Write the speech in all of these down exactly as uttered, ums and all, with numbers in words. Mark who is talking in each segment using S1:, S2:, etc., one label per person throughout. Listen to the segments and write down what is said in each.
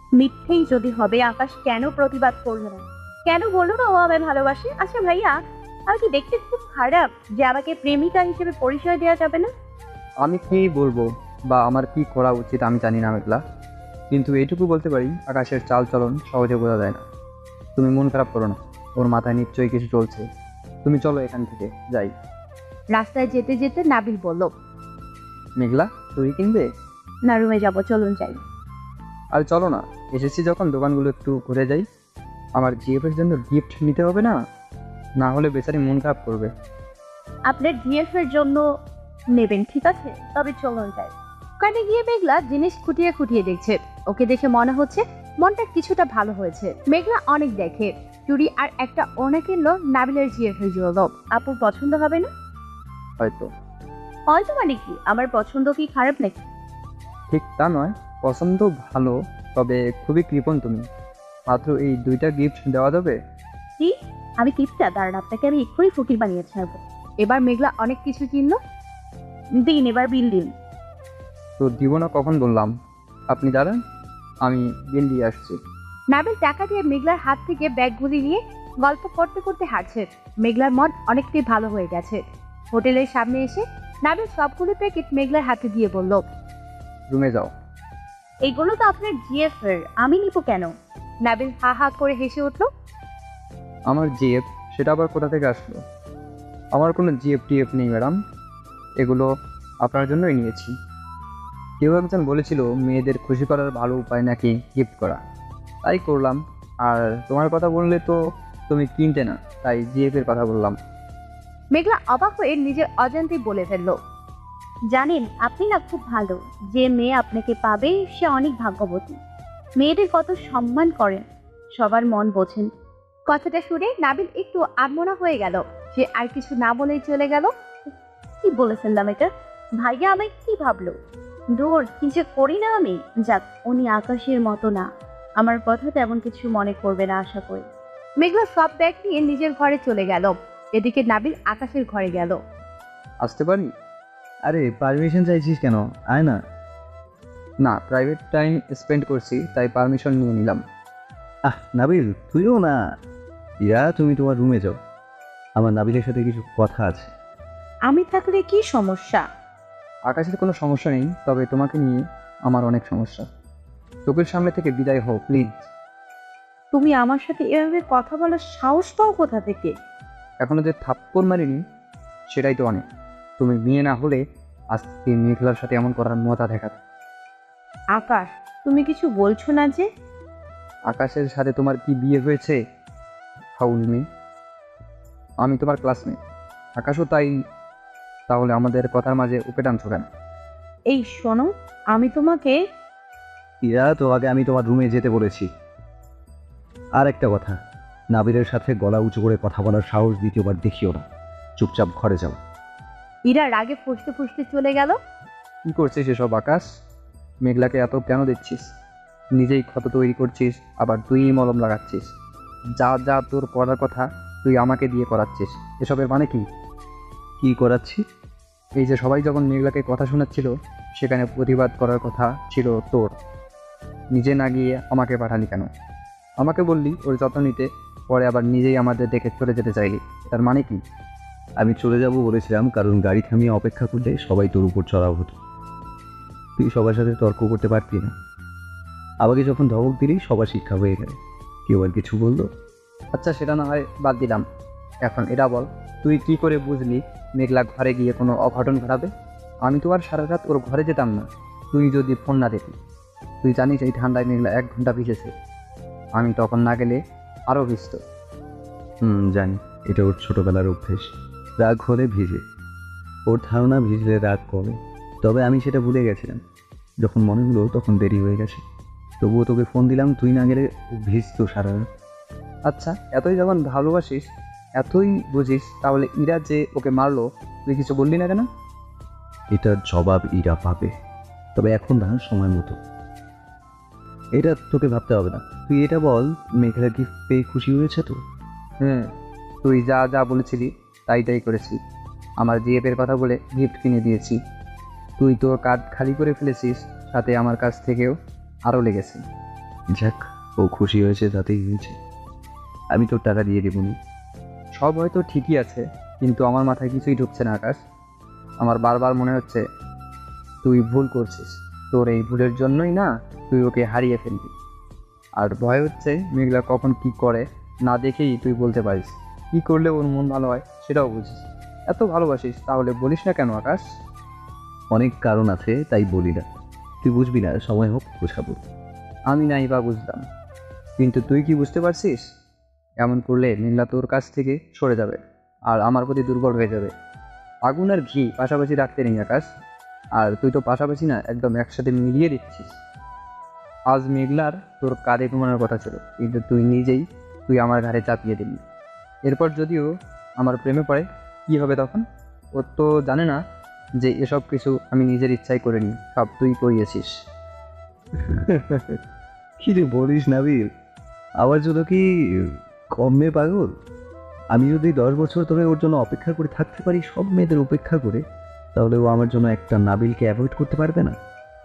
S1: মিথ্যেই যদি হবে, আকাশ কেন প্রতিবাদ করলো না? কেন বললো না ও আমায় ভালোবাসে? আচ্ছা ভাইয়া, আমি কি দেখতে খুব খারাপ যে আমাকে প্রেমিকা হিসেবে পরিচয় দেওয়া যাবে না?
S2: আমি কি বলবো বা আমার কি করা উচিত আমি জানি না মেঘলা, কিন্তু এইটুকু বলতে পারি আকাশের চাল চলন সহজে বোঝা যায় না। তুমি মন খারাপ করো না, ওর মাথায় নিশ্চয়ই কিছু চলছে। তুমি চলো এখান থেকে যাই।
S1: রাস্তায় যেতে যেতে নাবিল বলল,
S2: মেঘলা, তুই কিনবে?
S1: না, রুমে যাবো, চলুন যাই।
S2: আর চলো না, এসেছি যখন দোকানগুলো একটু ঘুরে যাই। আমার জিএফের জন্য গিফট নিতে হবে না, না হলে বেচারি মন খারাপ করবে।
S1: আপনার ডিএফ এর জন্য নেবেন, ঠিক আছে, তবে চলুন যাই। ওখানে গিয়ে মেঘলা জিনিস খুঁটিয়ে খুঁটিয়ে দেখছে। ওকে দেখে মনে হচ্ছে মনটা কিছুটা ভালো হয়েছে। মেঘলা অনেক দেখে, চুড়ি আর একটা ওড়না কিনলো নাবিলের জিএফ এর জন্য। আপুর পছন্দ হবে না?
S2: হয়তো।
S1: হয়তো মানে কি, আমার পছন্দ কি খারাপ নাকি?
S2: ঠিক তা নয়, পছন্দ ভালো, তবে খুবই কৃপণ তুমি। মাত্র এই দুইটা গিফট দেওয়া যাবে?
S1: কি? আমি কিপটা? দাঁড়ান, আপনাকে আমি এক্ষুনি ফকির বানিয়ে ছাড়বো। এবার মেঘলা অনেক কিছু কিনলো। দিন, এবার বিল দিন।
S2: তো দিব না কখন বললাম? আপনি দাঁড়ান, আমি বিল দিয়ে আসছি।
S1: নাবিল টাকা দিয়ে মেঘলার হাত থেকে ব্যাগগুলি নিয়ে গল্প করতে করতে হাঁটছে। মেঘলার মন অনেকটাই ভালো হয়ে গেছে। হোটেলের সামনে এসে নাবিল সবগুলো প্যাকেট মেঘলার হাতে দিয়ে বলল,
S2: রুমে যাও।
S1: এইগুলো তো আপনার জিএফ এর, আমি নিব কেন? নাবিল হা হা করে হেসে উঠল।
S2: আমার জিএফ? সেটা আবার কোথা থেকে আসলো? আমার কোনো জিএফ টিএফ নেই ম্যাডাম, এগুলো আপনার জন্যই নিয়েছি। কেউ একজন বলেছিল মেয়েদের খুশি করার ভালো উপায় নাকি গিফট করা, তাই করলাম। আর তোমার কথা বললে তো তুমি কিনতে না, তাই জিএফ এর কথা বললাম।
S1: মেঘলা অবাক হয়ে নিজের অজান্তেই বলে ফেলল, জানেন আপনি না খুব ভালো। যে মেয়ে আপনাকে পাবে সে অনেক ভাগ্যবতী। মেয়েদের কত সম্মান করেন, সবার মন বোঝেন। কথাটা শুনে নাবিল একটু আনমনা হয়ে গেল। সে আর কিছু না বলেই চলে গেল। কি বলেছিলাম এটা? ভাইয়া আমায় কি ভাবলো? দূর, কি যে করি না আমি। যাক, উনি আকাশের মতো না, আমার কথা তেমন কিছু মনে করবে না আশা করি। মেঘলা সব ব্যাগ নিয়ে নিজের ঘরে চলে গেল। এদিকে নাবিল আকাশের ঘরে গেল।
S2: আসতে পারি?
S3: আরে পারমিশন চাইছিস কেন? আয় না।
S2: না, প্রাইভেট টাইম স্পেন্ড করছি, তাই পারমিশন নিয়ে নিলাম।
S3: আহ নাবিল, তুইও না। ইয়া, তুমি তোমার রুমে যাও, আমার নাবিলের সাথে কিছু কথা আছে।
S1: আমি থাকলে কি সমস্যা?
S2: আকাশের কোনো সমস্যা নেই, তবে তোমাকে নিয়ে আমার অনেক সমস্যা। চোখের সামনে থেকে বিদায় হও প্লিজ।
S1: তুমি আমার সাথে এভাবে কথা বলার সাহস পাও কোথা থেকে?
S2: এখনো যে থাপ্পড় মারিনি সেটাই তো অনেক। তুমি মেয়ে না হলে আজকে মেঘলার সাথে এমন করার মজা দেখাতে।
S1: আকাশ, তুমি কিছু বলছো না যে?
S2: আকাশের সাথে তোমার কি বিয়ে হয়েছে? ফাউল মেয়ে। আমি তোমার ক্লাসমেট, আকাশও তাই। তাহলে আমাদের কথার মাঝে উপে টানছো কেন?
S1: এই শোনো, আমি তোমাকে।
S3: ইয়া, তো আগে আমি তোমার রুমে যেতে বলেছি। আর একটা কথা, নাবিলের সাথে গলা উঁচু করে কথা বলার সাহস দ্বিতীয়বার দেখিও না। চুপচাপ ঘরে যাও।
S1: ইরা রাগে ফুসতে ফুসতে চলে গেল।
S2: কি করছিস এসব আকাশ? মেঘলাকে এত কেন দিচ্ছিস? নিজেই ক্ষত তৈরি করছিস, আবার তুই মলম লাগাচ্ছিস। যা যা তোর করার কথা তুই আমাকে দিয়ে করাচ্ছিস। এসবের মানে কি?
S3: কি করাচ্ছি?
S2: এই যে সবাই যখন মেঘলাকে কথা শোনাচ্ছিল, সেখানে প্রতিবাদ করার কথা ছিল তোর। নিজে না গিয়ে আমাকে পাঠালি কেন? আমাকে বললি ওর যত্ন নিতে, পরে আবার নিজেই আমাদের দেখে চলে যেতে চাইলি। তার মানে কি?
S3: আমি চলে যাব বলেছিলাম কারণ গাড়ি থামিয়ে অপেক্ষা করলে সবাই তোর উপর চড়াও হতো। তুই সবার সাথে তর্ক করতে পারতি না। আমাকে যখন ধমক দিলি সবার শিক্ষা হয়ে গেল। কেউ আর কিছু বললো?
S2: আচ্ছা, সেটা না হয় বাদ দিলাম। এখন এটা বল, তুই কি করে বুঝলি মেঘলা ঘরে গিয়ে কোনো অঘটন ঘটাবে? আমি তো আর সারা রাত ওর ঘরে যেতাম না, তুই যদি ফোন না দিতি। তুই জানিস এই ঠান্ডায় মেঘলা এক ঘন্টা ভিজেছে, আমি তখন না গেলে আরও ভিজত।
S3: হুম, জানি। এটা ওর ছোটবেলার অভ্যেস। রাগ হলে ভিজে। ওর ধারণা ভিজলে রাগ কমে। তবে আমি সেটা ভুলে গেছিলাম। যখন মনে হলো তখন দেরি হয়ে গেছে। তবুও তোকে ফোন দিলাম, তুই না গেলে ও ভিজতো সারা রাত।
S2: আচ্ছা, এতই যখন ভালোবাসিস, এতই বুঝিস, তাহলে ইরা যে ওকে মারলো তুই কিছু বললি না কেন?
S3: এটার জবাব ইরা পাবে, তবে এখন না, সময় মতো। এটা তোকে ভাবতে হবে না। তুই এটা বল, মেঘলা গিফট পেয়ে খুশি হয়েছে তো?
S2: হুম, তুই যা যা বলেছিলি তাই তাই করেছি। আমার জিএফের কথা বলে গিফট কিনে দিয়েছি। তুই তোর কার্ড খালি করে ফেলেছিস, সাথে আমার কাছ থেকেও আরও লেগেছে।
S3: যাক, ও খুশি হয়েছে তাতেই হয়েছে। আমি তোর টাকা দিয়ে দেবো নি।
S2: সব হয়তো ঠিকই আছে, কিন্তু আমার মাথায় কিছুই ঢুকছে না আকাশ। আমার বারবার মনে হচ্ছে তুই ভুল করছিস, তোর এই ভুলের জন্যই না তুই ওকে হারিয়ে ফেলবি। আর ভয় হচ্ছে মেঘলা কখন কি করে না দেখেই তুই বলতে পারিস। কি করলে ওর মন ভালো হয় সেটাও বুঝিস। এত ভালোবাসিস তাহলে বলিস না কেন আকাশ?
S3: অনেক কারণ আছে, তাই বলি না। তুই বুঝবি না, সময় হোক বোঝাবো।
S2: আমি নাই বা বুঝলাম, কিন্তু তুই কি বুঝতে পারছিস? এমন করলে মেঘলা তোর কাছ থেকে সরে যাবে আর আমার প্রতি দুর্বল হয়ে যাবে। আগুন আর ঘি পাশাপাশি রাখতে নেই আকাশ, আর তুই তো পাশাপাশি না একদম একসাথে মিলিয়ে দিচ্ছিস। আজ মেঘলার তোর কাঁধে ঘুমানোর কথা ছিল, কিন্তু তুই নিজেই তুই আমার ঘাড়ে চাপিয়ে দিলি। এরপর যদিও আমার প্রেমে পড়ে, কি হবে তখন? ও তো জানে না যে এসব কিছু আমি নিজের ইচ্ছাই করিনি, সব তুই করিয়েছিস।
S3: কি রে বলিস নাবিল? আমার জন্য কি কম মেয়ে পাগল? আমি যদি দশ বছর ধরে ওর জন্য অপেক্ষা করে থাকতে পারি, সব মেয়েদের উপেক্ষা করে, তাহলে ও আমার জন্য একটা নাবিলকে অ্যাভয়েড করতে পারবে না।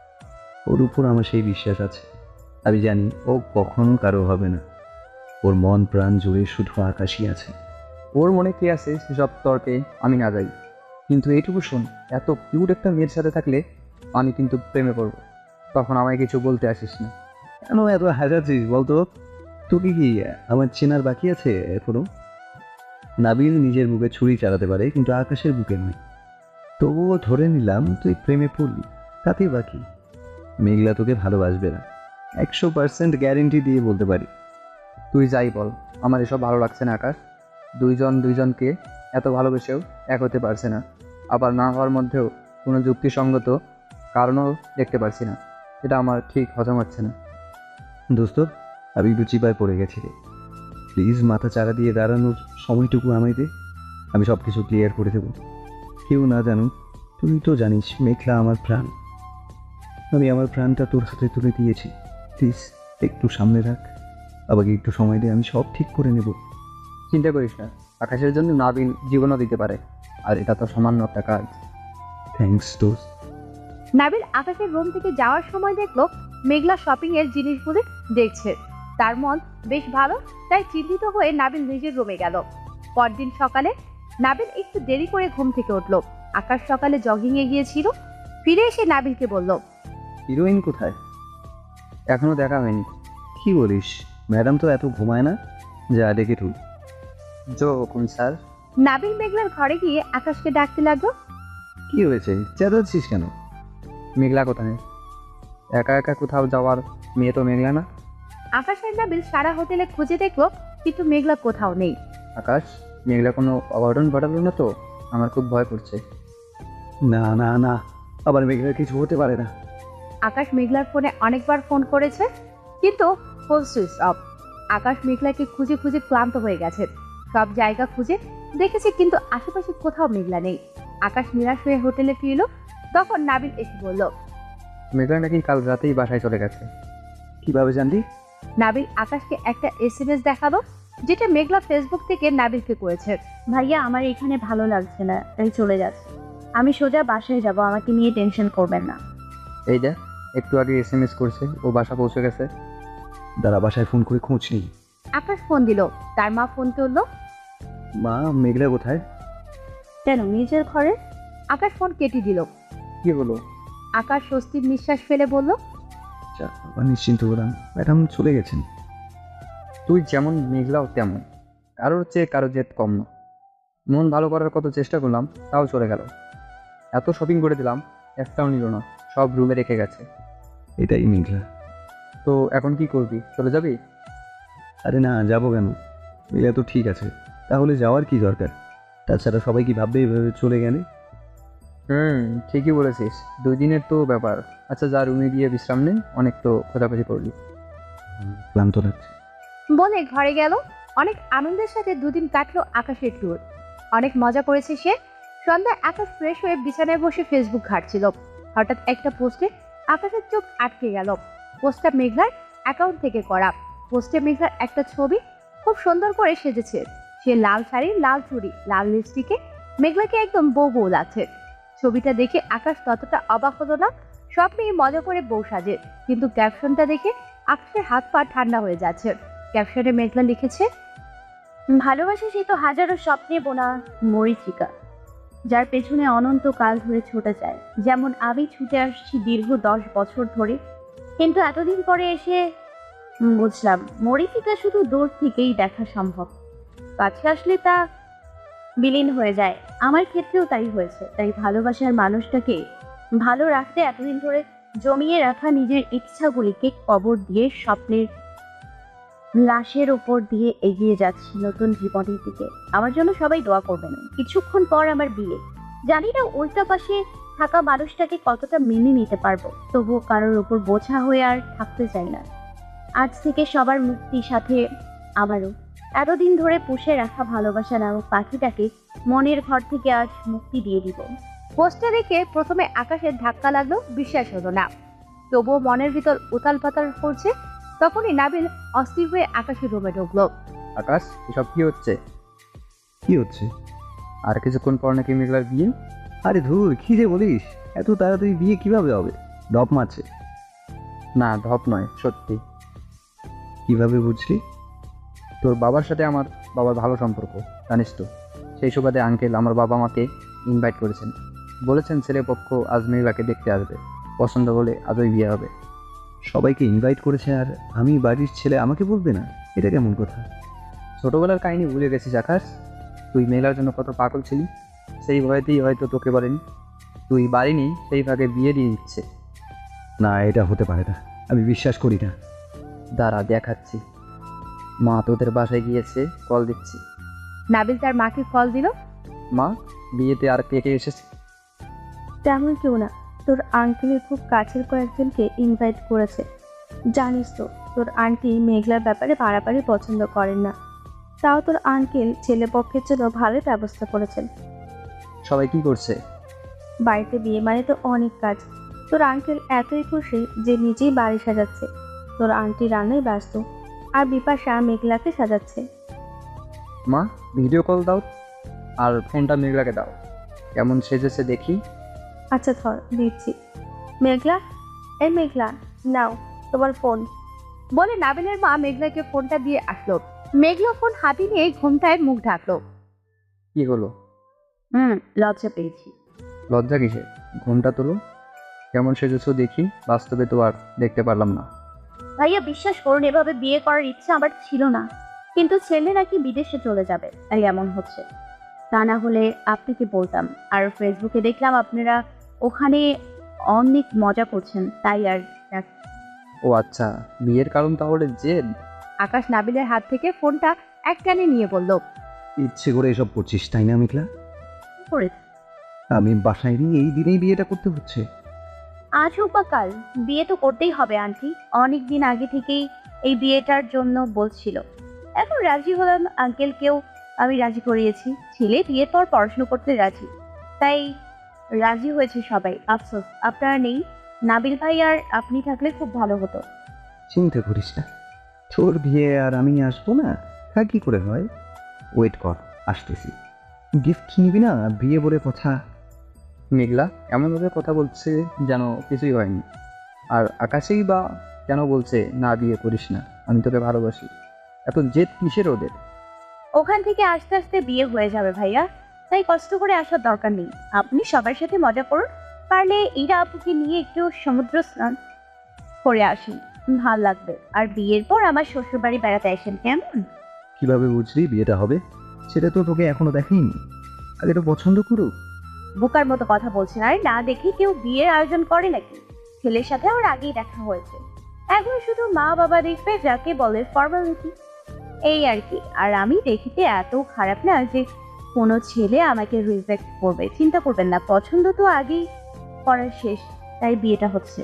S3: ওর উপর আমার সেই বিশ্বাস আছে। আমি জানি ও কখনো কারো হবে না। ওর মন প্রাণ জুড়ে শুধু আকাশই আছে।
S2: ওর মনে কে আছে সেসব তর্কে আমি না যাই, কিন্তু এইটুকু শোন, এত কিউট একটা মেয়ের সাথে থাকলে আমি কিন্তু প্রেমে পড়বো। তখন আমায় কিছু বলতে আসিস না।
S3: কেন এত হাজাচ্ছিস বলতো? তোকে কি আমার চেনার বাকি আছে এখনো? নাবিল নিজের বুকে ছুরি চালাতে পারে, কিন্তু আকাশের বুকে নয়। তবুও ধরে নিলাম তুই প্রেমে পড়লি, তাতেই বাকি। মেঘলা তোকে ভালোবাসবে না, একশো পার্সেন্ট গ্যারেন্টি দিয়ে বলতে পারি।
S2: তুই যাই বল, আমার এসব ভালো লাগছে না আকাশ। দুইজন দুইজনকে এত ভালোবেসেও এক হতে পারছে না, আবার না হওয়ার মধ্যেও কোনো যুক্তিসঙ্গত কারণও দেখতে পারছি না। এটা আমার ঠিক হজম হচ্ছে না।
S3: দোস্ত, আমি একটু চিপায় পড়ে গেছি রে। প্লিজ মাথা চারা দিয়ে দাঁড়ানোর সময়টুকু আমায় দে, আমি সব কিছু ক্লিয়ার করে দেবো। কেউ না জানুক, তুই তো জানিস মেঘলা আমার প্রাণ। আমি আমার প্রাণটা তোর হাতে তুলে দিয়েছি। প্লিজ একটু সামনে রাখ, আমাকে একটু সময় দে, আমি সব ঠিক করে নেব।
S2: চিন্তা করিস না, আকাশের জন্য নাবিল জীবনও দিতে পারে, আর এটা তো সামান্য একটা কাজ।
S3: থ্যাঙ্কস দোস্ত।
S1: নাবিল আকাশের রুম থেকে যাওয়ার সময় দেখলো মেঘলা শপিং এর জিনিসগুলি দেখছে। তার মন বেশ ভালো, তাই চিন্তিত হয়ে নাবিল নিজের রুমে গেল। পরদিন সকালে নাবিল একটু দেরি করে ঘুম থেকে উঠলো। আকাশ সকালে জগিং এ গিয়েছিল, ফিরে এসে নাবিলকে বলল,
S3: হিরোইন কোথায়?
S2: এখনো দেখা হয়নি।
S3: কি বলিস? ম্যাডাম তো এত ঘুমায় না, যা ডেকে তুই।
S2: জো হুকুম স্যার।
S1: নাবিল মেঘলার ঘরে গিয়ে আকাশকে ডাকতে লাগলো।
S3: কি হয়েছে, চেঁচাচ্ছিস কেন?
S2: মেঘলা কোথায়? একা একা কোথাও যাওয়ার মেয়ে তো মেঘলা না।
S1: আকাশ আর নাবিল সারা হোটেলে খুঁজে দেখলো, কিন্তু মেঘলা কোথাও নেই।
S2: আকাশ, মেঘলা কোনো অঘটন ঘটালো না তো? আমার খুব ভয় করছে।
S3: না না না, আবার মেঘলার কিছু হতে পারে না।
S1: আকাশ মেঘলার ফোনে অনেকবার ফোন করেছে, কিন্তু ফোন সুইচ অফ। আকাশ মেঘলাকে খুঁজে খুঁজে ক্লান্ত হয়ে গেছে। সব জায়গা খুঁজে দেখেছে, কিন্তু আশেপাশে কোথাও মেঘলা নেই। আকাশ নিরাশ হয়ে হোটেলে ফিরল। তখন নাবিল এসে বলল,
S2: মেঘলা নাকি কাল রাতেই বাসায় চলে গেছে।
S3: কিভাবে জানলি?
S1: নাবিল আকাশকে একটা এস এম এস দেখালো, যেটা মেঘলা ফেসবুক থেকে নাবিলকে করেছে। ভাইয়া, আমার এখানে ভালো লাগছে না, তাই চলে যাচ্ছে। আমি সোজা বাসায় যাব, আমাকে নিয়ে টেনশন করবেন না।
S2: এই দেখ, একটু আগে এস এম এস করছে ও বাসা পৌঁছে গেছে।
S3: দাঁড়া, বাসায় ফোন করে খোঁজ নেই।
S1: আকাশ ফোন দিল, তার মা ফোন তুললো।
S3: মা, মেঘলা কোথায়?
S1: কেন, নিজের ঘরে? আকাশ ফোন কেটে দিল।
S2: কি হলো?
S1: আকাশ স্বস্তির নিঃশ্বাস ফেলে বলল,
S3: আচ্ছা, বাবা নিশ্চিন্ত হলাম, ম্যাডাম চলে গেছেন।
S2: তুই যেমন মেঘলাও তেমন, কারোর চেয়ে কারো জেদ কম না। মন ভালো করার কত চেষ্টা করলাম, তাও চলে গেল। এত শপিং করে দিলাম, একটাও নিল না, সব রুমে রেখে গেছে।
S3: এটাই মেঘলা।
S2: তো এখন কি করবি, চলে যাবি?
S3: আরে না, যাবো কেন? মেঘলা তো ঠিক আছে, তাহলে যাওয়ার কি দরকার? তাছাড়া সবাই কি ভাববে এভাবে চলে গেলে?
S2: হুম, ঠিকই বলেছিস, দুই দিনের তো ব্যাপার। আচ্ছা, যা রুমে গিয়ে বিশ্রাম নে, অনেক তো খোঁজাখুঁজি করলি।
S3: ক্লান্ত লাগছে।
S1: বলে ঘরে গেল। অনেক আনন্দের সাথে দুদিন কাটলো আকাশের ট্যুর। অনেক মজা করেছে সে। সন্ধ্যায় আকাশ ফ্রেশ হয়ে বিছানায় বসে ফেসবুক ঘাঁটছিল। হঠাৎ একটা পোস্টে আকাশের চোখ আটকে গেল। পোস্টটা মেঘলার অ্যাকাউন্ট থেকে করা। পোস্টে মেঘলার একটা ছবি, খুব সুন্দর করে সেজেছে। সে লাল শাড়ি, লাল চুড়ি, লাল লিপস্টিকে মেঘলাকে একদম বউ বউ লাগছে। ছবিটা দেখে আকাশ ততটা অবাক হলো না। সব মেয়ে মজা করে বউ সাজে, কিন্তু ক্যাপশনটা দেখে আকাশের হাত পা ঠান্ডা হয়ে যাচ্ছে। ক্যাপশনে মেঘলা লিখেছে, ভালোবাসা সে তো হাজারো স্বপ্নে বোনা মরীচিকা, যার পেছনে অনন্ত কাল ধরে ছুটে যায়। যেমন আমি ছুটে আসছি দীর্ঘ দশ বছর ধরে, কিন্তু এতদিন পরে এসে বুঝলাম মরীচিকা শুধু দূর থেকেই দেখা সম্ভব, কাছে আসলে তা বিলীন হয়ে যায়। আমার ক্ষেত্রেও তাই হয়েছে। তাই ভালোবাসার মানুষটাকে ভালো রাখতে এতদিন ধরে জমিয়ে রাখা নিজের ইচ্ছাগুলিকে কবর দিয়ে স্বপ্নের লাশের উপর দিয়ে এগিয়ে যাচ্ছি নতুন জীবনের দিকে। আমার জন্য সবাই দোয়া করবেন। কিছুক্ষণ পর আমার বিয়ে। জানি না উল্টা পাশে থাকা মানুষটাকে কতটা মেনে নিতে পারবো, তবুও কারোর উপর বোঝা হয়ে আর থাকতে চাই না। আজ থেকে সবার মুক্তির সাথে আমারও। এতদিন ধরে পুষে রাখা ভালোবাসা নামক পাখিটাকে মনের ঘর থেকে আজ মুক্তি দিয়ে দিব। পোস্টটা দেখে প্রথমে আকাশের ধাক্কা লাগলো, বিশ্বাস হলো না। তবুও মনের ভিতর উতাল পাতাল করছে। তখনই নাবিল অস্থির হয়ে আকাশের রুমে ঢুকলো।
S2: আকাশ, এসব কি হচ্ছে?
S3: কি হচ্ছে?
S2: আর কিছুক্ষণ পর নাকি মেঘলার বিয়ে।
S3: আরে ধুর, কি যে বলিস! এত তাড়াতাড়ি বিয়ে কিভাবে হবে? ডপ মারছে।
S2: না, ঢপ নয়, সত্যি।
S3: কিভাবে বুঝলি?
S2: তোর বাবার সাথে আমার বাবার ভালো সম্পর্ক, জানিস তো। সেই সুবাদে আঙ্কেল আমার বাবা মাকে ইনভাইট করেছেন। বলেছেন ছেলে পক্ষ আজ মেঘলাকে দেখতে আসবে, পছন্দ হলে আজই বিয়ে হবে।
S3: সবাইকে ইনভাইট করেছে আর আমি বাড়ির ছেলে, আমাকে বলবে না? এটা কেমন কথা?
S2: ছোটবেলার কাহিনী ভুলে গেছিস আকাশ? তুই মেঘলার জন্য কত পাগল ছিলি, সেই ভয়েতেই হয়তো তোকে বলেনি। তুই বাড়িনি, সেই ভাগে বিয়ে দিয়ে দিচ্ছে।
S3: না, এটা হতে পারে না, আমি বিশ্বাস করি না।
S2: দাঁড়া, দেখাচ্ছি। মা তোদের বাসায় গিয়েছে, কল দিচ্ছি।
S1: নাবিল তার মাকে কল দিল।
S2: মা, বিয়েতে আর কে কে এসেছে?
S1: তেমন কেউ না, তোর আঙ্কেলের খুব কাছের কয়েকজনকে ইনভাইট করেছে। জানিস তো তোর আন্টি মেঘলার ব্যাপারে বাড়াবাড়ি পছন্দ করেন না, তাও তোর আঙ্কেল ছেলে পক্ষের জন্য ভালোই ব্যবস্থা করেছেন।
S2: সবাই কি করছে?
S1: বাড়িতে বিয়ে মানে তো অনেক কাজ। তোর আঙ্কেল এতই খুশি যে নিজেই বাড়ি সাজাচ্ছে, তোর আন্টি রান্নায় ব্যস্ত, আর বিপাশা মেঘলাকে সাজাচ্ছে।
S2: মা, ভিডিও কল দাও আর ফোনটা মেঘলাকে দাও, কেমন সেজেছে দেখি।
S1: আচ্ছা ধর, দিচ্ছি। মেঘলা, এই মেঘলা, নাও তোমার ফোন, বলে নাবিলের মা মেঘলাকে ফোনটা দিয়ে আসলো। মেঘলা ফোন হাতে নিয়ে ঘুমটায় মুখ ঢাকলো।
S2: কি হলো?
S1: হুম লজ্জা পেয়েছি।
S2: লজ্জা কিসে? ঘুমটা তোলো, কেমন সেজেছো দেখি। বাস্তবে তো আর দেখতে পারলাম না।
S1: ভাইয়া বিশ্বাস করুন, এভাবে বিয়ে করার ইচ্ছা আমার ছিল না, কিন্তু ছেলে নাকি বিদেশে চলে যাবে, তাই এমন হচ্ছে। তা না হলে আপনাকে বলতাম। আর ফেসবুকে দেখলাম আপনারা ওখানে অনেক মজা করছেন, তাই আর।
S2: ও আচ্ছা, বিয়ের কারণ তাহলে জেদ?
S1: আকাশ নাবিলের হাত থেকে ফোনটা এক টানে নিয়ে বলল,
S3: ইচ্ছে করে এসব করছিস তাই না মেঘলা?
S1: করে
S3: আমি বাসায় নিয়ে এই দিনেই বিয়েটা করতে হচ্ছে?
S1: আজ হোক বা কাল বিয়ে তো করতেই হবে আন্টি। অনেক দিন আগে থেকেই এই বিয়েটার জন্য বলছিল, এখন রাজি হলাম। আঙ্কেলকেও আমি রাজি করিয়েছি, ছেলে বিয়ের পর পড়াশুনো করতে রাজি, তাই রাজি হয়েছে সবাই। আফসোস আপনারা নেই, নাবিল ভাই আর আপনি থাকলে খুব ভালো হতো।
S3: চিন্তা করিস না, তোর বিয়ে আর আমি আসবো না তা কি করে হয়? ওয়েট কর, আসতেছি। গিফট নিবি না? বিয়ে বলে কথা।
S2: মেঘলা এমনভাবে কথা বলছে যেন কিছুই হয়নি। আর আকাশেই বা কেন বলছে না বিয়ে করিস না, আমি তোকে ভালোবাসি। এত জেদ কিসের ওদের?
S1: ওখান থেকে আস্তে আস্তে বিয়ে হয়ে যাবে ভাইয়া, তাই কষ্ট করে আসার দরকার নেই। আপনি সবার সাথে মজা করুন, পারলে ইরা আপুকে নিয়ে একটু সমুদ্র স্নান করে আসুন, ভাল লাগবে। আর বিয়ের পর আমার শ্বশুর বাড়ি বেড়াতে আসেন, কেমন?
S3: কিভাবে বুঝলি বিয়েটা হবে? সেটা তো তোকে এখনো দেখাইনি। আগে তো পছন্দ করুক।
S1: বোকার মতো কথা বলছেন। আর না দেখে কেউ বিয়ের আয়োজন করে নাকি? ছেলের সাথে আমার আগেই দেখা হয়েছে, এখন শুধু মা বাবা দেখবে, যাকে বলে ফর্মালিটি, এই আর কি। আর আমি দেখিতে এত খারাপ না যে কোনো ছেলে আমাকে রিজেক্ট করবে। চিন্তা করবেন না, পছন্দ তো আগেই করার শেষ, তাই বিয়েটা হচ্ছে।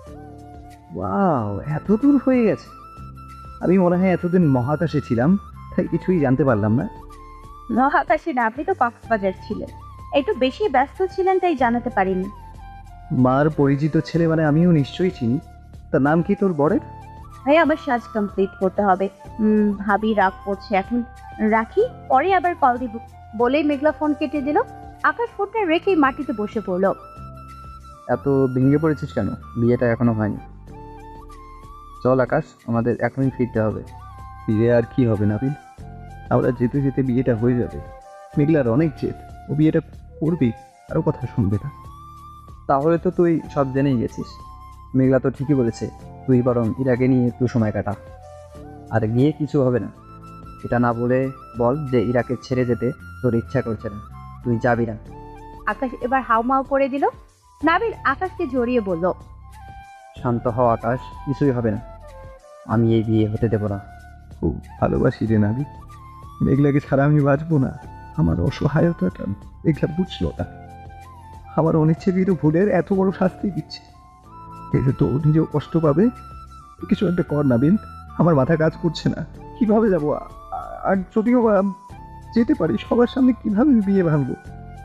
S3: ওয়াও, এত দূর হয়ে গেছে! আমি মনে হয় এতদিন মহাকাশে ছিলাম, তাই কিছুই জানতে পারলাম না।
S1: মহাকাশে না, আপনি তো কক্সবাজার ছিলেন, একটু বেশি ব্যস্ত ছিলেন তাই জানাতে পারিনি।
S3: মার পরিচিত ছেলে মানে আমিও নিশ্চয়ই চিনি। তার নাম কি তোর বরের?
S1: ভাই আমার সাজ কমপ্লিট করতে হবে। উম, ভাবি রাগ করছে, এখন রাখি, পরে আবার কল দিব, বলেই মেঘলা ফোন কেটে দিল। আকাশ ফোনটা রেখেই মাটিতে বসে পড়ল।
S2: এত ভেঙে পড়েছিস কেন? বিয়েটা এখনো হয়নি। চল আকাশ, আমাদের এখনই ফিরতে হবে।
S3: ফিরে আর কি হবে নাবিল? আমরা যেতে যেতে বিয়েটা হয়ে যাবে। মেঘলার অনেক জেদ, ও বিয়েটা করবি, আরও কথা শুনবে না।
S2: তাহলে তো তুই সব জেনেই গেছিস। মেঘলা তো ঠিকই বলেছে, তুই বরং ইরাকে নিয়ে একটু সময় কাটা। আর গিয়ে কিছু হবে না, এটা না বলে বল যে ইরাকে ছেড়ে যেতে তোর ইচ্ছা করছে না, তুই যাবি না।
S1: আকাশ এবার হাউমাউ করে দিল। নাবিল আকাশকে জড়িয়ে বলল,
S2: শান্ত হও আকাশ, কিছুই হবে না, আমি এই বিয়ে হতে দেব না।
S3: খুব ভালোবাসি রে নাবিল, মেঘলাকে ছাড়া আমি বাঁচবো না। আমার অসহায়তাটা মেঘলা বুঝলো না। আমার অনিচ্ছাকৃত ভুলের এত বড় শাস্তি দিচ্ছে, এতে তো ও নিজেও কষ্ট পাবে। তুই কিছু একটা কর নাবিল, আমার মাথা কাজ করছে না। কিভাবে যাবো? আ- আর যদিও বা যেতে পারি, সবার সামনে কিভাবে বিয়ে ভাঙবো?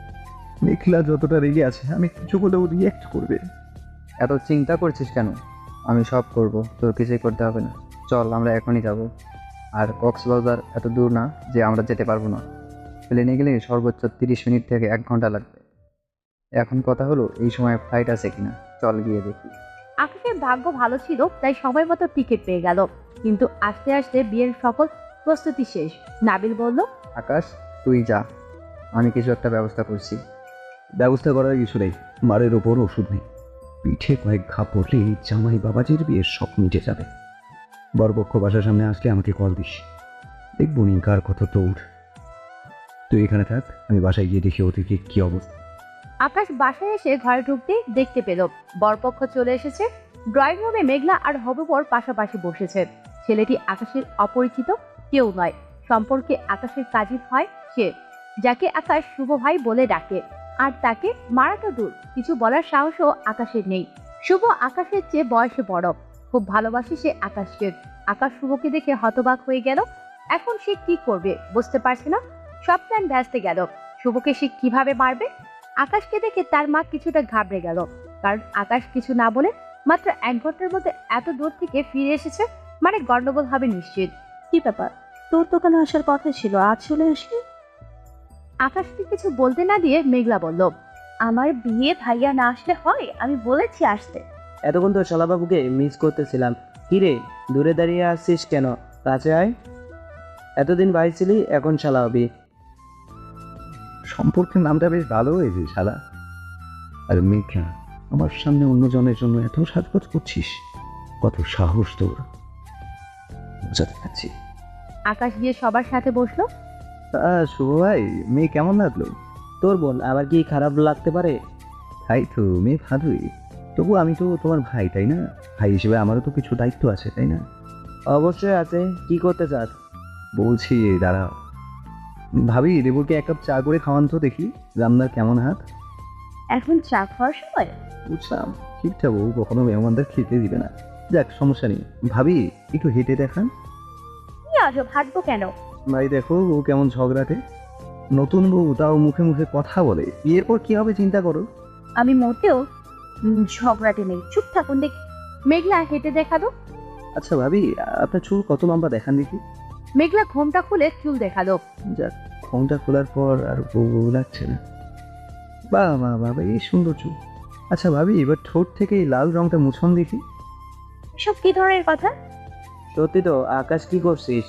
S3: মেঘলা যতটা রেগে আছে, আমি কিছু বলেও রিয়াক্ট করবে।
S2: এত চিন্তা করছিস কেন? আমি সব করব, তোর কিছুই করতে হবে না। চল, আমরা এখনই যাব। আর কক্সবাজার এত দূর না যে আমরা যেতে পারবো না। প্লেনে গেলে সর্বোচ্চ তিরিশ মিনিট থেকে এক ঘন্টা লাগবে। এখন কথা হলো এই সময় ফ্লাইট আছে কিনা, চল গিয়ে দেখি।
S1: আকাশের ভাগ্য ভালো ছিল, তাই সময় মতো টিকিট পেয়ে গেল। কিন্তু আস্তে আস্তে বিয়ের সকল প্রস্তুতি শেষ। নাবিল বলল,
S2: আকাশ, তুই যা, আমি কিছু একটা ব্যবস্থা করছি।
S3: ব্যবস্থা করার কিছু নেই, মারের ওপর ওষুধ নেই। পিঠে কয়েক ঘা পড়লেই জামাই বাবাজির বিয়ের সব মিটে যাবে। বরপক্ষ বাসার সামনে আসলে আমাকে কল দিস, দেখবো নি কার কত দৌড়। তুই এখানে থাক, আমি বাসায় গিয়ে দেখি ওদিকে কি অবস্থা।
S1: আকাশ বাসায় এসে ঘরে ঢুকতে দেখতে পেল বরপক্ষ চলে এসেছে। ড্রয়িং রুমে মেঘলা আর হবুবর পাশাপাশি বসেছে। ছেলেটি আকাশের অপরিচিত কেউ নয়, সম্পর্কে আকাশের কাজিন হয় সে, যাকে আকাশ শুভ ভাই বলে ডাকে। আর তাকে মারা তো দূর, কিছু বলার সাহসও আকাশের নেই। শুভ আকাশের চেয়ে বয়সে বড়, খুব ভালোবাসে সে আকাশকে। আকাশ শুভকে দেখে হতবাক হয়ে গেল। এখন সে কি করবে বুঝতে পারছে না, সব প্ল্যান ভেস্তে গেল। শুভকে সে কিভাবে মারবে? আকাশকে দেখে তার মা কিছুটা ঘাবড়ে গেল, কারণ আকাশ কিছু না বলে মাত্র এক ঘন্টার মধ্যে এত দূর থেকে ফিরে এসেছে, মানে গন্ডগোল হবে নিশ্চিত।
S4: কি ব্যাপার, তোর তো কেন আসার কথা ছিল, আজ চলে আসলি?
S1: আকাশকে কিছু বলতে না দিয়ে মেঘলা বলল,
S4: আমার বিয়ে ভাইয়া না আসলে হয়? আমি বলেছি আসতে।
S5: এতক্ষণ তো শালাবাবুকে মিস করতেছিলাম। কিরে, দূরে দাঁড়িয়ে আসছিস কেন? কাছে আয়। এতদিন ভাই ছিলি, এখন শালা হবি।
S3: সম্পর্কের নামটা বেশ ভালো হয়েছে শালা। আর মেঘলা, আমার সামনে অন্যজনের জন্য এত সাজগোজ করছিস, কত সাহস তোর! বোঝাতে পারছি।
S1: আকাশ গিয়ে সবার সাথে বসলো।
S3: তা শুভ ভাই, মেয়ে কেমন লাগলো?
S5: তোর বোন আবার কি খারাপ লাগতে পারে?
S3: তাই তো, মেয়ে ভালোই। তবু আমি তো তোমার ভাই, তাই না? ভাই হিসেবে আমারও তো কিছু দায়িত্ব আছে, তাই না?
S5: অবশ্যই আছে। কি করতে চাস?
S3: বলছি, দাঁড়াও। ভাবি, দেবুরকে এক কাপ চা করে খাওয়ান তো দেখি, রান্নার কেমন হাত।
S4: এখন চা খাওয়ার সময়?
S3: বুঝলাম, ঠিকঠাক বউ কখনো মেহমানদের খেতে দিবে না। যাক, সমস্যা নেই। ভাবি, একটু হেঁটে দেখান।
S4: কি আজব, হাঁটবো কেন?
S3: ভাই দেখো, ও কেমন ঝগড়াটে। নতুন বউ, তাও মুখে মুখে কথা বলে। বিয়ের পর কি হবে চিন্তা করো।
S4: আমি মোটেও উম, ঝগড়াটে নেই, চুপ থাকুন দেখি।
S1: মেঘলা হেঁটে দেখালো।
S3: আচ্ছা ভাবি, আপনার চুল কত লম্বা দেখান দেখি।
S1: মেঘলা ঘোমটা খুলে চুল দেখালো।
S3: যাক, ঘোমটা খোলার পর আর বউ বউ লাগছে না। বাহ বাহ বাবা, এই সুন্দর চুল। আচ্ছা ভাবি, এবার ঠোঁট থেকে এই লাল রংটা মুছন দেখি।
S4: এসব কি ধরনের কথা?
S5: সত্যি তো, আকাশ কি করছিস?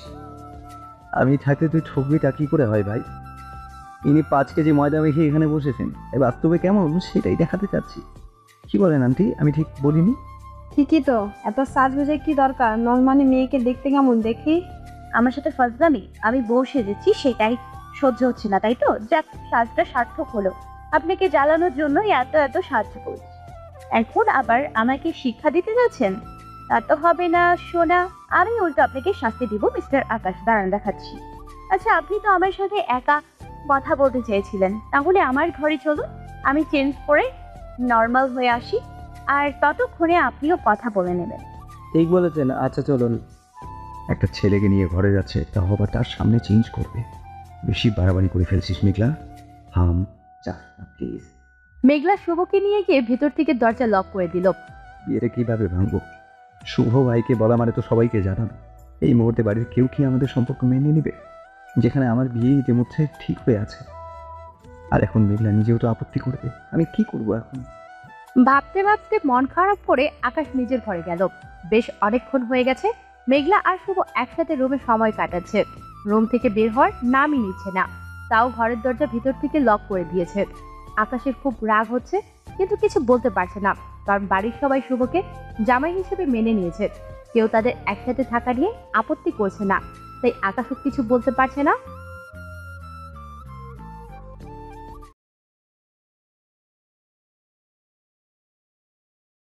S3: আমি থাকতে তুই ঠকবিটা কি করে হয় ভাই? ইনি পাঁচ কেজি ময়দা মেখে এখানে বসেছেন, এই বাস্তবে কেমন সেটাই দেখাতে চাচ্ছি। কি বলেন আন্টি, আমি ঠিক বলিনি?
S6: ঠিকই তো, এত সাজগোজে কি দরকার? নর্মালি মেয়েকে দেখতে কেমন দেখি?
S4: আমার সাথে ফাজলামি, আমি বউ সেজেছি সেটাই সহ্য হচ্ছে না, তাই তো? যাক, সাজটা সার্থক হলো। আপনাকে জ্বালানোর জন্যই এত এত সাহায্য করছি, এখন আবার আমাকে শিক্ষা দিতে যাচ্ছেন? তা তো হবে না সোনা, আমি উল্টো আপনাকে শাস্তি দিব। মিস্টার আকাশ, দাঁড়ান দেখাচ্ছি। আচ্ছা, আপনি তো আমার সাথে একা কথা বলতে চেয়েছিলেন, তাহলে আমার ঘরে চলুন, আমি চেঞ্জ করে নর্মাল হয়ে আসি, আর ততক্ষণে আপনিও কথা বলে নেবেন।
S5: ঠিক বলেছেন, আচ্ছা চলুন।
S3: একটা ছেলেকে নিয়ে ঘরে যাচ্ছে, তা আবার তার সামনে চেঞ্জ করবে। বেশি বাড়াবাড়ি করে ফেলছিস মেঘলা। হাম চা প্লিজ।
S1: মেঘলা শুভকে নিয়ে গিয়ে ভেতর থেকে দরজা লক করে দিল।
S3: বিয়েটা কিভাবে ভাঙবো? শুভ ভাইকে বলা মানে তো সবাইকে জানানো। এই মুহূর্তে বাড়ির কেউ কি আমাদের সম্পর্ক মেনে নেবে, যেখানে আমার বিয়ে ইতিমধ্যে ঠিক হয়ে আছে? আর এখন মেঘলা নিজেও তো আপত্তি করবে, আমি কি করব এখন?
S1: ভাবতে ভাবতে মন খারাপ করে আকাশ নিজের ঘরে গেল। বেশ অনেকক্ষণ হয়ে গেছে মেঘলা আর শুভ একসাথে রুমে সময় কাটাচ্ছে। রুম থেকে বের হওয়ার নামই নিচ্ছে না, তাও ঘরের দরজা ভিতর থেকে লক করে দিয়েছে। আকাশের খুব রাগ হচ্ছে, কিন্তু কিছু বলতে পারছে না, কারণ বাড়ির সবাই শুভকে জামাই হিসেবে মেনে নিয়েছে। কেউ তাদের একসাথে থাকা নিয়ে আপত্তি করছে না, তাই আকাশও কিছু বলতে পারছে না।